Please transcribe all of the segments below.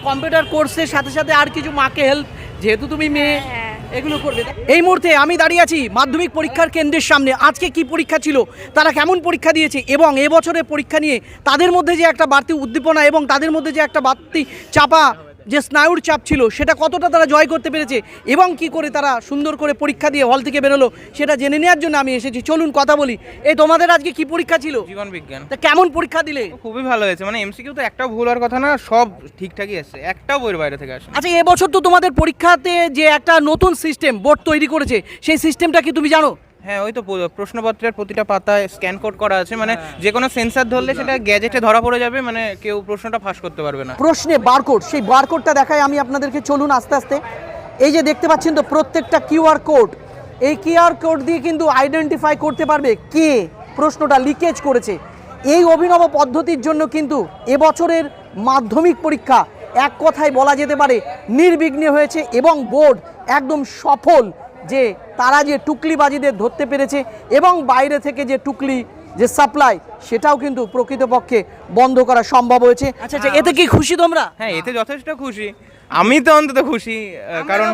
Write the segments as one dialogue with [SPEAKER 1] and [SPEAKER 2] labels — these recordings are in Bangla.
[SPEAKER 1] কম্পিউটার কোর্সের সাথে সাথে আর কিছু মাকে হেল্প, যেহেতু তুমি মেয়ে, এগুলো করবে। এই মুহূর্তে আমি দাঁড়িয়ে আছি মাধ্যমিক পরীক্ষার কেন্দ্রের সামনে। আজকে কি পরীক্ষা ছিল, তারা কেমন পরীক্ষা দিয়েছে এবং এবছরের পরীক্ষা নিয়ে তাদের মধ্যে যে একটা বাড়তি উদ্দীপনা এবং তাদের মধ্যে যে একটা বাড়তি চাপা যে স্নায়ুর চাপ ছিল, সেটা কতটা তারা জয় করতে পেরেছে এবং কি করে তারা সুন্দর করে পরীক্ষা দিয়ে হল থেকে বেরোলো, সেটা জেনে নেওয়ার জন্য আমি এসেছি। চলুন কথা বলি। এই তোমাদের আজকে কি পরীক্ষা ছিল?
[SPEAKER 2] জীবন বিজ্ঞান।
[SPEAKER 1] তা কেমন পরীক্ষা দিলে?
[SPEAKER 2] খুবই ভালো হয়েছে, মানে এমসিকিউ তো একটাও ভুল হওয়ার কথা না, সব ঠিকঠাকই আসছে, একটাও বইয়ের বাইরে থেকে আসে।
[SPEAKER 1] আচ্ছা, এবছর তো তোমাদের পরীক্ষাতে যে একটা নতুন সিস্টেম বোর্ড তৈরি করেছে, সেই সিস্টেমটা কি তুমি জানো?
[SPEAKER 2] হ্যাঁ, ওই তো প্রশ্নপত্রের প্রতিটা পাতায় স্ক্যান কোড করা আছে, মানে যে কোনো সেন্সার ধরলে সেটা গ্যাজেটে ধরা পড়ে যাবে, মানে কেউ প্রশ্নটা ফাঁস করতে পারবে না।
[SPEAKER 1] প্রশ্নে বারকোড, সেই বারকোডটা দেখাই আমি আপনাদেরকে। চলুন আস্তে আস্তে। এই যে দেখতে পাচ্ছেন তো প্রত্যেকটা কিউআর কোড, এই কিউআর কোড দিয়ে কিন্তু আইডেন্টিফাই করতে পারবে কে প্রশ্নটা লিকেজ করেছে। এই অভিনব পদ্ধতির জন্য কিন্তু এবছরের মাধ্যমিক পরীক্ষা এক কথায় বলা যেতে পারে নির্বিঘ্নে হয়েছে এবং বোর্ড একদম সফল যে তারা যে টুকলিবাজিদের ধরতে পেরেছে এবং বাইরে থেকে যে টুকলি যে সাপ্লাই, সেটাও কিন্তু প্রকৃতপক্ষে বন্ধ করা সম্ভব হয়েছে। আচ্ছা আচ্ছা, এতে কি খুশি তোমরা?
[SPEAKER 2] হ্যাঁ, এতে যথেষ্ট খুশি, আমি তো অন্তত খুশি, কারণ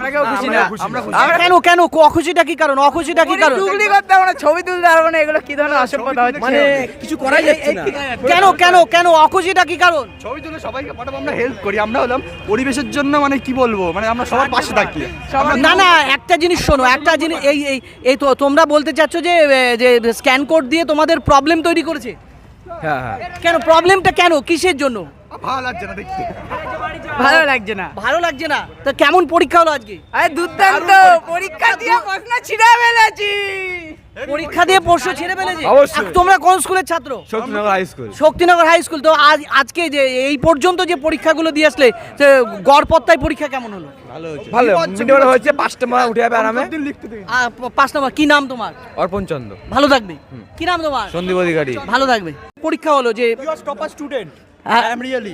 [SPEAKER 1] কেন কেন অখুশিটা কি কারণ? অখুশিটা কি কারণ?
[SPEAKER 3] টুকলি করতে হবে না, ছবি তুলতে হবে না, এগুলো কি ধরনের অসভ্যতা হচ্ছে?
[SPEAKER 4] মানে কিছু করাই যাচ্ছে না।
[SPEAKER 1] কেন কেন কেন অখুশিটা কি কারণ?
[SPEAKER 4] ছবি তুলে সবাইকে পাঠাবো, আমরা হেল্প করি, আমরা হলাম পরিবেশের জন্য, মানে কি বলবো, মানে আমরা সবার পাশে থাকি।
[SPEAKER 1] না না, একটা জিনিস শোনো, একটা জিনিস এই এই এই তো তোমরা বলতে চাচ্ছ যে যে স্ক্যান কোড দিয়ে তোমাদের প্রবলেম তৈরি করেছে।
[SPEAKER 4] হ্যাঁ হ্যাঁ,
[SPEAKER 1] কেন প্রবলেমটা, কেন কিসের জন্য?
[SPEAKER 4] ভালো লাগছে না দেখতে।
[SPEAKER 3] ভালো লাগছে না।
[SPEAKER 1] ভালো লাগছে না? তো কেমন পরীক্ষা হলো আজকে?
[SPEAKER 3] আরে দুর্দান্ত পরীক্ষা দিয়ে প্রশ্ন ছিঁড়ে ফেলেছি।
[SPEAKER 1] পরীক্ষা দিয়ে প্রশ্ন ছেড়ে ফেলেছে?
[SPEAKER 4] অবশ্যই।
[SPEAKER 1] তোমরা কোন স্কুলের ছাত্র?
[SPEAKER 4] Shaktinagar high school.
[SPEAKER 1] Shaktinagar high school. তো আজকে যে এই পর্যন্ত যে পরীক্ষাগুলো দিয়ে আসলে, গড়পত্তায় পরীক্ষা কেমন হলো?
[SPEAKER 4] ভালো মিনিমাম হয়েছে, 5টা মার্ক উঠে যাবে আরামে।
[SPEAKER 1] 5 নম্বর। কি নাম তোমার?
[SPEAKER 4] অর্পণ চন্দ্র।
[SPEAKER 1] ভালো থাকবে। কি নাম তোমার?
[SPEAKER 4] সন্দীপ অধিকারী।
[SPEAKER 1] ভালো থাকবে। পরীক্ষা হলো যে
[SPEAKER 4] টপার স্টুডেন্ট।
[SPEAKER 1] হ্যাঁ।
[SPEAKER 4] I am really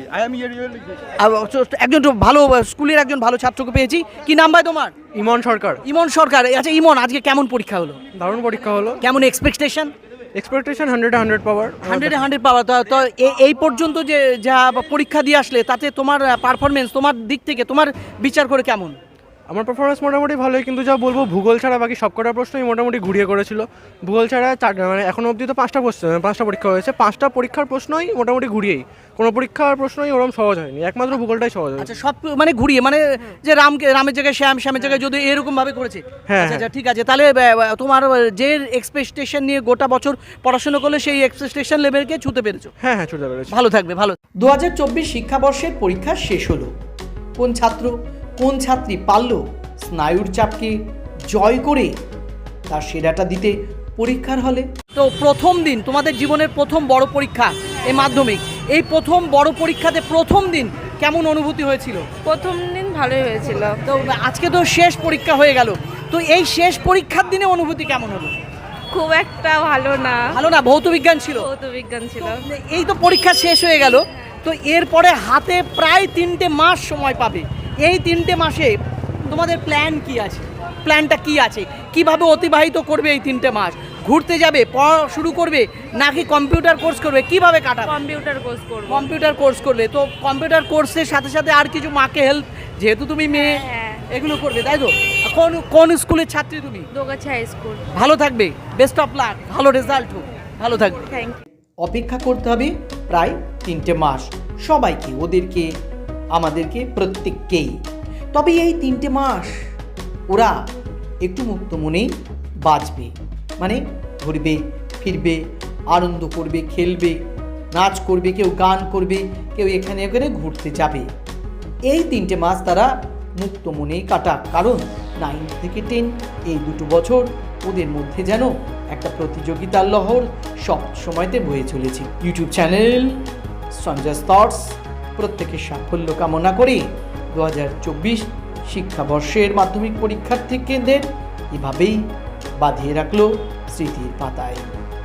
[SPEAKER 1] একজন তো ভালো স্কুলের একজন ভালো ছাত্রকে পেয়েছি। কি নাম ভাই তোমার?
[SPEAKER 5] ইমন সরকার।
[SPEAKER 1] ইমন সরকার। আচ্ছা ইমন, আজকে কেমন পরীক্ষা হলো?
[SPEAKER 5] দারুণ পরীক্ষা হলো।
[SPEAKER 1] কেমন এক্সপেকটেশন?
[SPEAKER 5] এক্সপেকটেশন 100 পাওয়ার।
[SPEAKER 1] 100 পাওয়ার। তো এই পর্যন্ত যে যা পরীক্ষা দিয়ে আসলে, তাতে তোমার পারফরমেন্স, তোমার দিক থেকে তোমার বিচার করে কেমন?
[SPEAKER 5] আমার পারফরমেন্স মোটামুটি ভালোই, কিন্তু যা বলবো ভূগোল ছাড়া বাকি সবকটা প্রশ্নই মোটামুটি ঘুরিয়ে করেছিল। ভূগোল ছাড়া মানে এখনো অবধি তো 5টা পরীক্ষা হয়েছে, 5টা পরীক্ষার প্রশ্নই মোটামুটি ঘুরিয়েই, কোনো পরীক্ষার প্রশ্নই ওরকম সহজ হয়নি, একমাত্র ভূগোলটাই সহজ হয়েছে।
[SPEAKER 1] আচ্ছা, সব মানে ঘুরিয়ে, মানে যে রামের জায়গায় শ্যামের জায়গায় যদি এরকম ভাবে করেছে।
[SPEAKER 5] হ্যাঁ,
[SPEAKER 1] আচ্ছা ঠিক আছে। তাহলে তোমার যে এক্সপেকটেশন নিয়ে গোটা বছর পড়াশোনা করলে, সেই এক্সপেকটেশন লেভেলকে ছুতে পেরেছো।
[SPEAKER 5] হ্যাঁ হ্যাঁ, ছুটে পেরেছি।
[SPEAKER 1] ভালো থাকবে। ভালো। 2024 শিক্ষাবর্ষের পরীক্ষা শেষ হলো। কোন ছাত্র কোন ছাত্রী পারল স্নায়ুর চাপকে জয় করে তার সেরাটা দিতে পরীক্ষার হলে? তো প্রথম দিন, তোমাদের জীবনের প্রথম বড় পরীক্ষা এই মাধ্যমিক, এই প্রথম বড় পরীক্ষাতে প্রথম দিন কেমন অনুভূতি হয়েছিল?
[SPEAKER 6] প্রথম দিন ভালোই হয়েছিল।
[SPEAKER 1] তো আজকে তো শেষ পরীক্ষা হয়ে গেল, তো এই শেষ পরীক্ষার দিনে অনুভূতি কেমন হলো?
[SPEAKER 6] খুব একটা ভালো না।
[SPEAKER 1] ভালো না? ভৌত বিজ্ঞান ছিল।
[SPEAKER 6] ভৌত বিজ্ঞান ছিল।
[SPEAKER 1] এই তো পরীক্ষা শেষ হয়ে গেল, তো এরপরে হাতে প্রায় 3টে মাস সময় পাবে। এই 3টে মাসে তোমাদের প্ল্যান কি আছে? প্ল্যানটা কি আছে? কিভাবে অতিবাহিত করবে এই 3টে মাস? ঘুরতে যাবে, পড়া শুরু করবে, নাকি কম্পিউটার কোর্স করবে? কিভাবে কাটাবে?
[SPEAKER 6] কম্পিউটার কোর্স করব।
[SPEAKER 1] কম্পিউটার কোর্স করবে। তো কম্পিউটার কোর্সের সাথে সাথে আর কিছু মাকে হেল্প, যেহেতু তুমি মেয়ে, এগুলো করবে, তাই তো? কোন স্কুলের ছাত্রী তুমি?
[SPEAKER 6] Dogachhi high school.
[SPEAKER 1] ভালো থাকবে, বেস্ট অফ লাক, ভালো রেজাল্ট হোক, ভালো থাকবে।
[SPEAKER 6] Thank you.
[SPEAKER 1] অপেক্ষা করতে হবে প্রায় 3টে মাস সবাইকে, ওদেরকে, আমাদেরকে, প্রত্যেককেই। তবে এই 3টে মাস ওরা একটু মুক্ত মনেই বাঁচবে, মানে ঘুরবে ফিরবে, আনন্দ করবে, খেলবে, নাচ করবে, কেউ গান করবে, কেউ এখানে ওখানে ঘুরতে যাবে। এই 3টে মাস তারা মুক্ত মনেই কাটাক, কারণ 9 থেকে 10 এই 2 বছর ওদের মধ্যে যেন একটা প্রতিযোগিতার লহর সব সময়তে বয়ে চলেছে। ইউটিউব চ্যানেল সঞ্জয় থটস প্রত্যেকের সাফল্য কামনা করে 2024 শিক্ষাবর্ষের মাধ্যমিক পরীক্ষার্থী কেন্দ্রের এভাবেই বাঁধিয়ে রাখলো স্মৃতির পাতায়।